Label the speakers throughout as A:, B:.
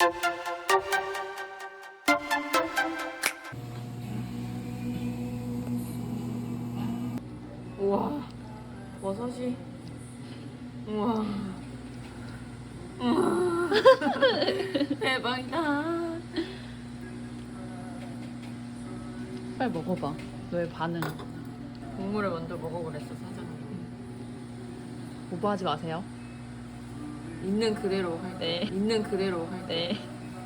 A: 우와, 버섯이. 우와. 우와. 대박이다.
B: 빨리 먹어봐. 너의 반응.
A: 국물을 먼저 먹어보랬어, 사장님.
B: 오버하지 마세요.
A: 있는 그대로 할게.
B: 네.
A: 있는 그대로 할게.
B: 네.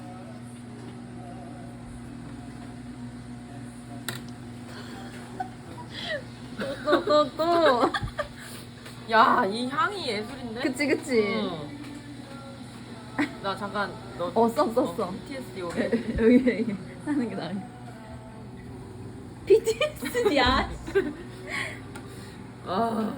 A: 또. 야, 이 향이 예술인데?
B: 그치 그치.
A: 응. 나 잠깐 너.
B: 써.
A: PTSD 오게.
B: 여기 하는 게 나을. PTSD야.
A: 아.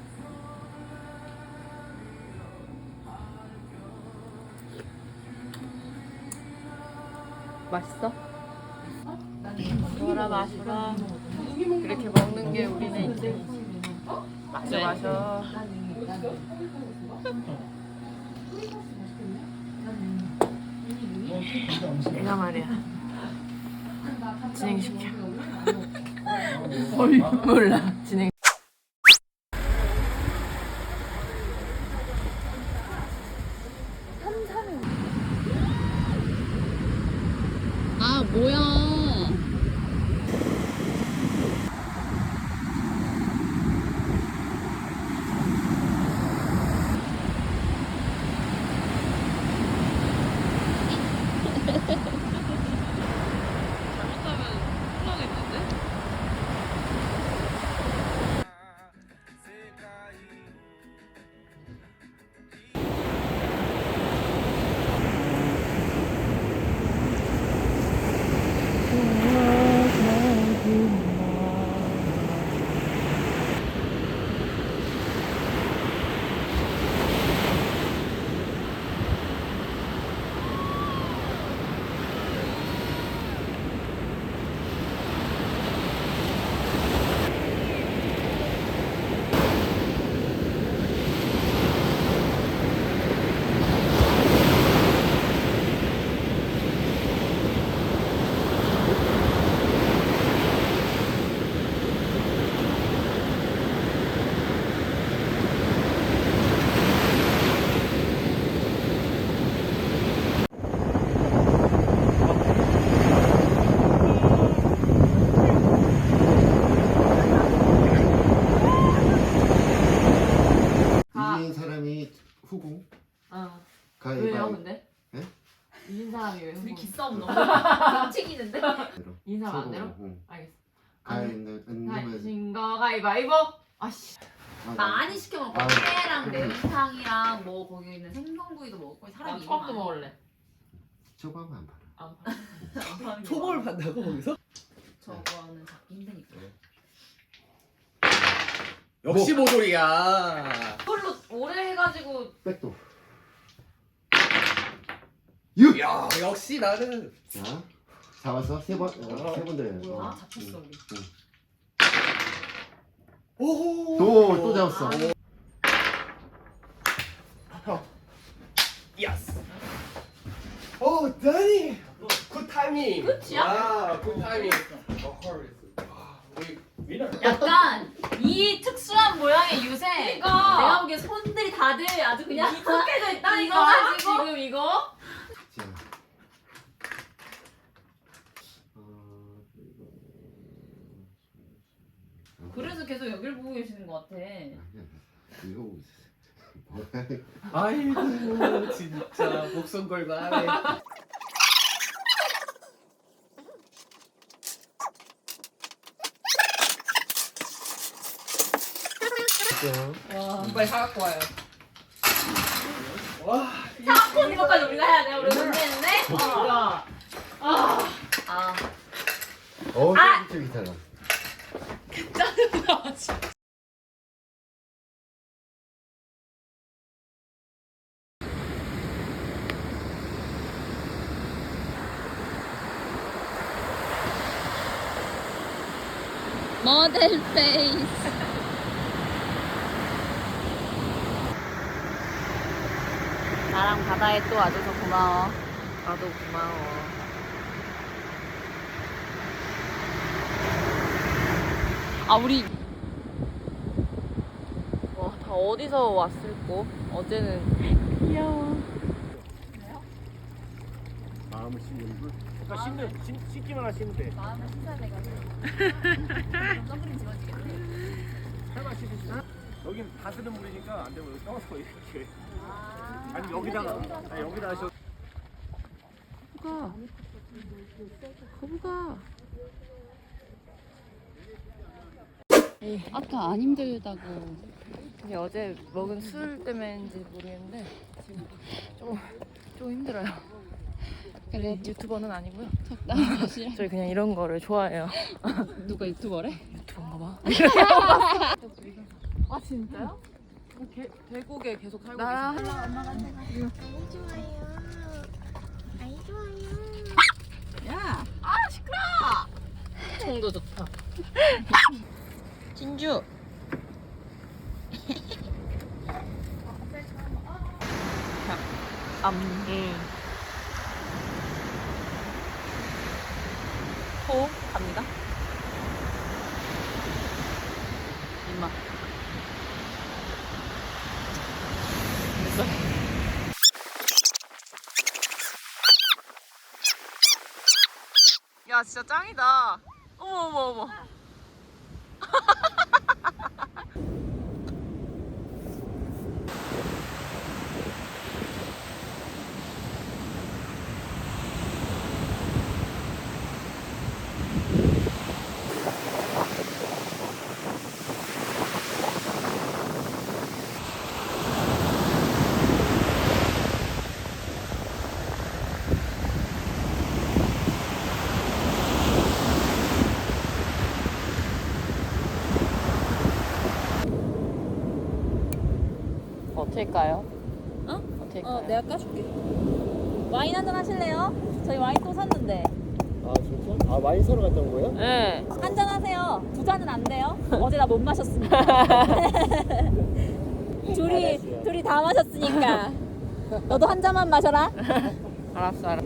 B: 맛있어?
A: 마셔라 마셔라. 그렇게 먹는 게 우리네 인생. 마셔
B: 네.
A: 마셔. 내가 말이야. 진행시켜. 몰라. 진행.
B: 아 뭐야?
A: 잘못하면 혼나겠는데?
C: 이긴 사람이 후궁.
A: 어.
C: 가위바위보.
A: 왜요, 근데?
C: 네?
A: 이긴 사람이 왜?
B: 우리
A: 흥분?
B: 기싸움 너무 ting치기는데?
A: 이긴 사람 안 내려?
C: 응.
A: 알겠어.
C: 가위는
A: 신거 가위바위보. 아씨.
B: 많이 시켜 먹고
C: 아.
B: 회랑 매운탕이랑 뭐 거기 있는 생선구이도 먹고
A: 나
B: 사람이
A: 처음도 먹을래.
C: 초밥은 안 팔아.
A: 안 팔아.
D: 초밥을 판다고 거기서?
B: 저거는 잡기 힘드니까.
D: 역시 모조리야.
A: 그걸로 오래 해가지고.
C: 백도. 6.
D: 야 역시 나는.
C: 자, 잡았어. 세번 들어요.
B: 뭐야? 잡혔어 우리.
D: 오호.
C: 또 잡았어.
D: 예스. 오 다니. 굿 타이밍.
B: 끝이야?
D: 와, 굿 타이밍. 우리 위너.
B: 약간 이 특수한 모양의 유세. 내가 보기엔 손들이 다들 아주 그냥 익숙해져 있다니까. 이거 가지고 지금 이거.
C: 자.
B: 그래서 계속 여길 보고 계시는 것 같아.
C: 이거 뭐야?
D: 아이고 진짜 목숨 걸고 하네.
B: 와.
A: 빨리 사갖고 와요.
D: 와.
B: 사건 이거까지 우리가 해야 돼. 우리 문제인데.
A: 야.
B: 아.
C: 쫄깃쫄깃하다.
B: 모델 페이스. 나랑 바다에 또 와줘서 고마워.
A: 나도 고마워. 아 우리 와 다 어디서 왔을꼬? 어제는 귀여워.
D: 마음을 씻는 물. 그러니까 씻기만 하시면 돼.
B: 마음을 씻어야 돼가지고. 선크림 지워지겠네.
D: 살만 씻으시나? 여긴 다 쓰는 물이니까 안 되고 여기 떠서 이렇게. 아니 여기다가 여기다 하셔.
A: 거북아. 거북아.
E: 아까 안 힘들다고.
A: 이게 어제 먹은 술 때문인지 모르겠는데 지금 좀 힘들어요.
E: 그래,
A: 유튜버는 아니고요.
E: 적당히 마시라.
A: 저희 그냥 이런 거를 좋아해요.
E: 누가 유튜버래?
A: 유튜버인가 봐. 아 진짜요? 대국에 계속 살고 계세요?
E: 야,
A: 총도 좋다. 진주. 호흡 갑니다. 이마. 됐어. 야 진짜 짱이다. 어머 어머 어머. 어떨까요?
B: 어?
A: 어떨까요?
B: 내가 까줄게. 와인 한잔 하실래요? 저희 와인 또 샀는데.
D: 아 진짜? 아 와인 사러 갔다 온 거예요?
A: 네.
B: 한잔 하세요. 두 잔은 안 돼요. 어제 나 못 마셨으니까. 둘이 다 마셨으니까. 너도 한 잔만 마셔라.
A: 알았어.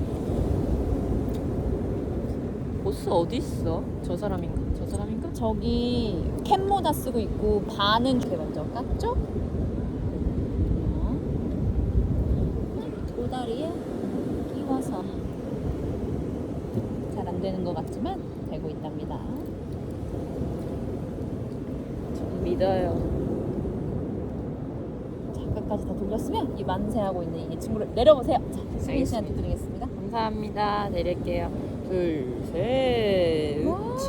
A: 보스 어디 있어? 저 사람인가? 저 사람인가?
B: 저기 캡모자 쓰고 있고 반은 이렇게 먼저 깠죠? 도다리에 끼워서 잘 안 되는 것 같지만 되고 있답니다.
A: 전 믿어요.
B: 자, 끝까지 다 돌렸으면 이 만세하고 있는 이 친구를 내려보세요. 자, 수민 씨한테 드리겠습니다.
A: 감사합니다. 내릴게요. 둘, 셋,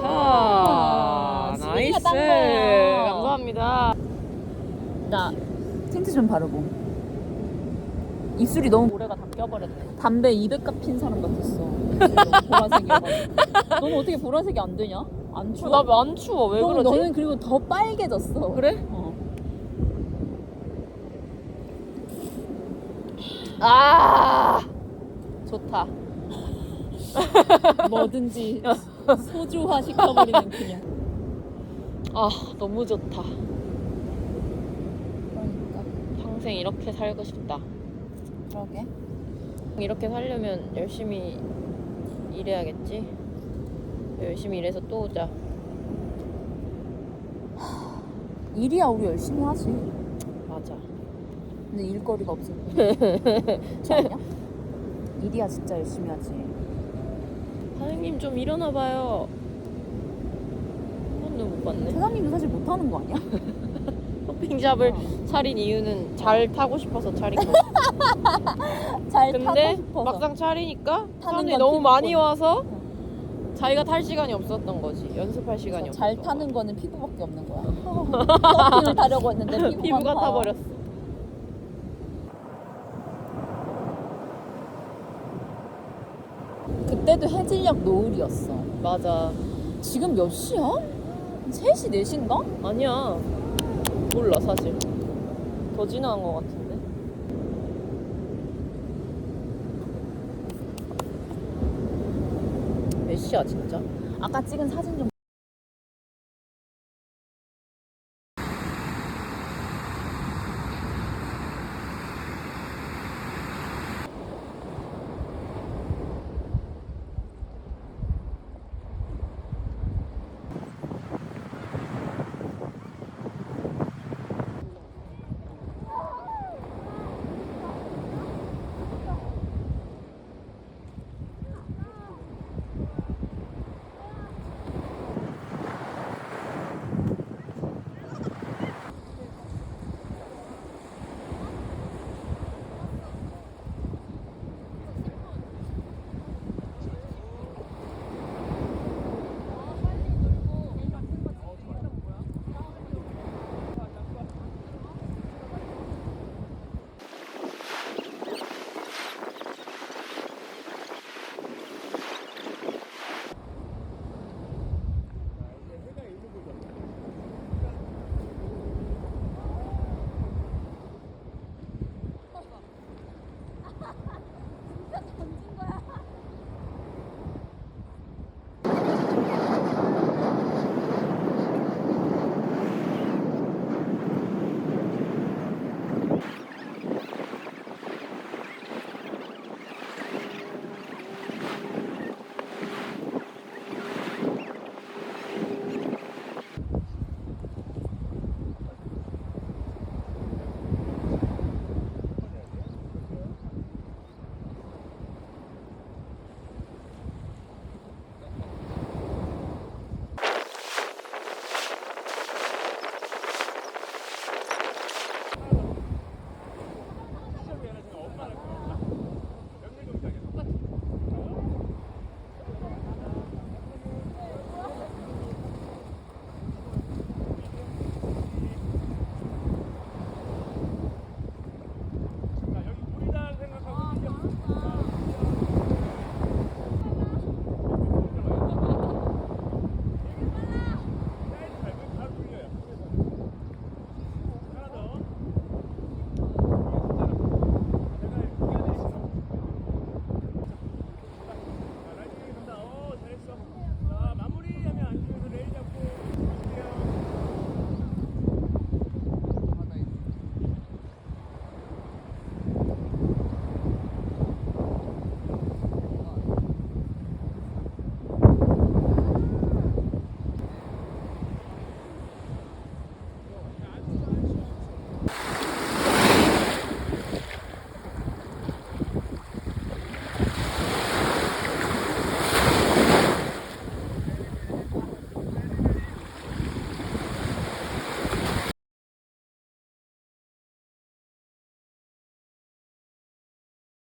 B: 와,
A: 차.
B: 수빈이가
A: 나이스.
B: 딴 거예요.
A: 감사합니다.
B: 나 틴트 좀 바르고. 입술이 너무 모래가 다 껴버렸네. 담배 200갑 핀 사람 같았어. 보라색이어가지고. 너는 어떻게 보라색이 안 되냐? 안 추워?
A: 나 안 추워. 왜 그러지?
B: 너는 그리고 더 빨개졌어.
A: 그래?
B: 어.
A: 아 좋다.
B: 뭐든지 소주화 시켜버리는 그냥.
A: 아 너무 좋다.
B: 그러니까.
A: 평생 이렇게 살고 싶다.
B: 그러게.
A: 이렇게 살려면 열심히 일해야겠지. 열심히 일해서 또 오자.
B: 일이야 우리 열심히 하지.
A: 맞아.
B: 근데 일거리가 없을 뿐. 그렇지 않냐? 일이야 진짜 열심히 하지.
A: 사장님 좀 일어나 봐요. 한 번도 못 봤네.
B: 사장님도 사실 못하는 거 아니야?
A: 쇼핑샵을 차린 이유는 잘 타고 싶어서 차린 거지.
B: 잘 타고
A: 근데
B: 싶어서.
A: 막상 차리니까 사람들이
B: 건
A: 너무 많이
B: 피부권.
A: 와서 자기가 탈 시간이 없었던 거지. 연습할 시간이 없었던
B: 잘 타는 거는 피부밖에 없는 거야. 커피를 타려고 했는데
A: 피부가
B: 타.
A: 타버렸어.
B: 그때도 해질녘 노을이었어.
A: 맞아.
B: 지금 몇 시야? 3시, 4시인가?
A: 아니야. 몰라 사실. 더 지나간 것 같은데. 몇 시야 진짜?
B: 아까 찍은 사진 좀